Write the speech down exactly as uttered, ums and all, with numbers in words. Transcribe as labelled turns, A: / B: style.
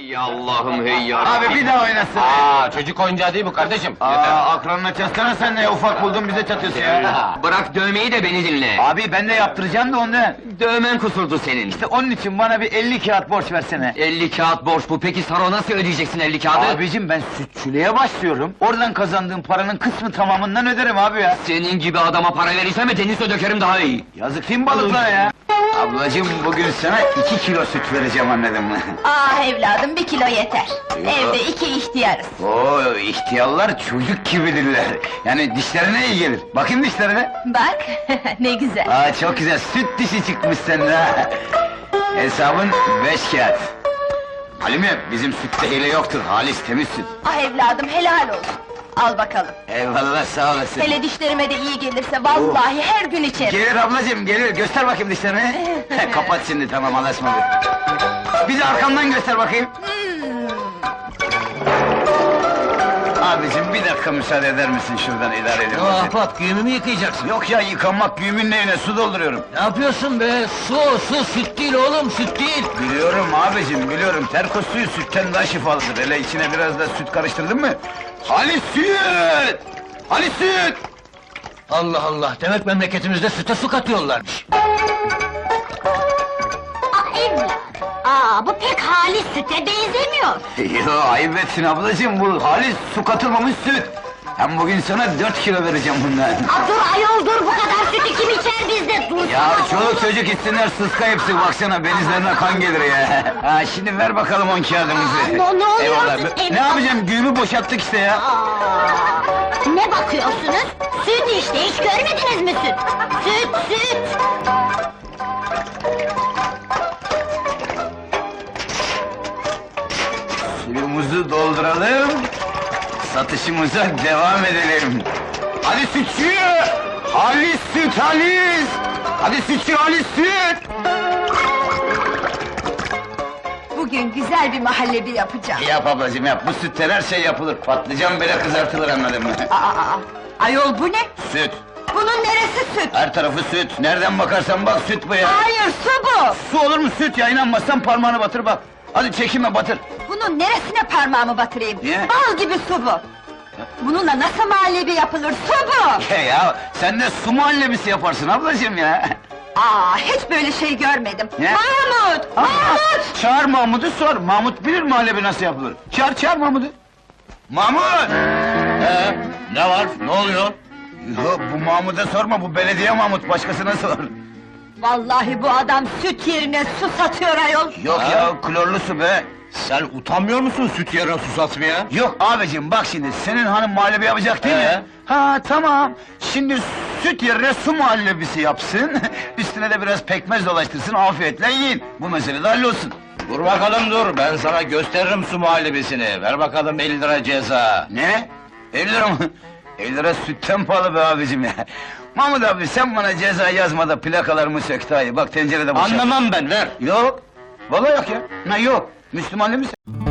A: Hey Allah'ım hey ya.
B: Abi bir daha oynasın.
A: Aa, çocuk oyuncağı değil bu kardeşim.
B: Aa,
A: Yeter.
B: akranına çatsana sen ne ufak buldun bize çatıyorsun ya.
A: Bırak dövmeyi de beni dinle.
B: Abi ben de yaptıracağım da ondan.
A: Dövmen kusurdu senin.
B: İşte onun için bana bir elli kağıt borç versene.
A: elli kağıt borç bu, peki Saro nasıl ödeyeceksin elli kağıdı?
B: Abicim ben sütçülüğe başlıyorum. Oradan kazandığım paranın kısmı tamamından öderim abi ya.
A: Senin gibi adama para verirsem denize dökerim daha iyi.
B: Yazık değil mi balıklara ya? Ablacım bugün sana iki kilo süt vereceğim anladın mı?
C: Ah evladım, bir kilo yeter. Evde iki ihtiyarız.
B: Oo ihtiyarlar çocuk gibidirler. Yani dişlerine iyi gelir. Bakayım dişlerine.
C: Bak, ne güzel.
B: Aa çok güzel, süt dişi çıkmış sende ha! Hesabın beş kağıt. Halime, bizim sütte hile yoktur, halis temiz süt.
C: Ah evladım, helal olsun. Al bakalım.
B: Eyvallah, sağ olasın.
C: Hele dişlerime de iyi gelirse vallahi her gün içerim.
B: Gelir ablacığım, gelir, göster bakayım dişlerini. Kapat şimdi, tamam, anlaşmadık. Bir de arkamdan göster bakayım.
C: Hmm.
B: Abicim, bir dakika müsaade eder misin şuradan idare edin?
D: Ya ahbap, güğümü yıkayacaksın?
B: Yok ya, yıkanmak güğümün neyine, su dolduruyorum.
D: Ne yapıyorsun be? Su, su, süt değil oğlum, süt değil!
B: Biliyorum abicim, biliyorum. Terkos suyu sütten daha şifalıdır. Hele içine biraz da süt karıştırdın mı? Halis süt! Halis süt!
D: Allah Allah, demek memleketimizde süte su katıyorlarmış.
C: Ah evladım, aa bu pek halis süte benzemiyor.
B: Yo, ayıp etsin ablacığım, bu halis su katılmamış süt! Hem bugün sana dört kilo vereceğim bundan.
C: Ah dur ayol dur, bu kadar sütü kim içer bizde? Dur.
B: Ya çoluk çocuk içsinler, sıska hepsi, baksana benizlerine kan gelir ya! Ha, şimdi ver bakalım on kağıdımızı.
C: Aa, ne- ne oluyor
B: Eyvallah,
C: siz
B: be-
C: ev-
B: Ne yapacağım, güğümü boşalttık işte ya!
C: Aa, ne bakıyorsunuz? Süt işte, hiç görmediniz mi süt? Süt, süt!
B: Suyumuzu dolduralım, satışımıza devam edelim. Hadi sütçü! Halis süt, halis! Hadi sütçü, halis süt!
C: Bugün güzel bir mahallebi yapacağım.
B: Yap ablacığım yap, bu sütten her şey yapılır. Patlıcan bile kızartılır anladın mı?
C: Aa, aa, ayol bu ne?
B: Süt,
C: Bunun neresi süt?
B: her tarafı süt. Nereden bakarsan bak süt bu ya.
C: Hayır, su bu!
B: Su olur mu süt ya, inanmazsan parmağını batır bak. Hadi çekinme, batır.
C: Bunun neresine parmağımı batırayım?
B: Niye?
C: Bal gibi su bu! Bununla nasıl muhallebi yapılır, su bu!
B: Ya, ya sen de su muhallebisi yaparsın ablacığım ya.
C: Aa, hiç böyle şey görmedim!
B: Ne?
C: Mahmut!
B: Aa,
C: Mahmut!
B: Çağır Mahmut'u sor, Mahmut bilir muhallebi nasıl yapılır. Çağır, çağır Mahmut'u. Mahmut!
D: Ee, ne var, ne oluyor?
B: Yok, bu Mahmut'a sorma, bu belediye Mahmut, başkasına sor.
C: Vallahi bu adam süt yerine su satıyor ayol!
B: Yok
D: Ha?
B: ya, klorlu su be!
D: Sen utanmıyor musun süt yerine su satmaya?
B: Yok abicim, bak şimdi, senin hanım muhallebi yapacak değil
D: Ee?
B: mi? Ha tamam, şimdi süt yerine su muhallebisi yapsın, üstüne de biraz pekmez dolaştırsın, afiyetle yiyin. Bu mesele de hallolsun.
D: Dur bakalım dur, ben sana gösteririm su muhallebisini. Ver bakalım elli lira ceza.
B: Ne? elli lira mı? elli lira sütten pahalı be abicim ya! Mahmut abi, sen bana ceza yazma da plakalarımı sök daha iyi, bak tencerede boşalt.
D: Anlamam ben, ver!
B: Yok! Vallahi yok ya! Ne yok? Müslüman değil misin?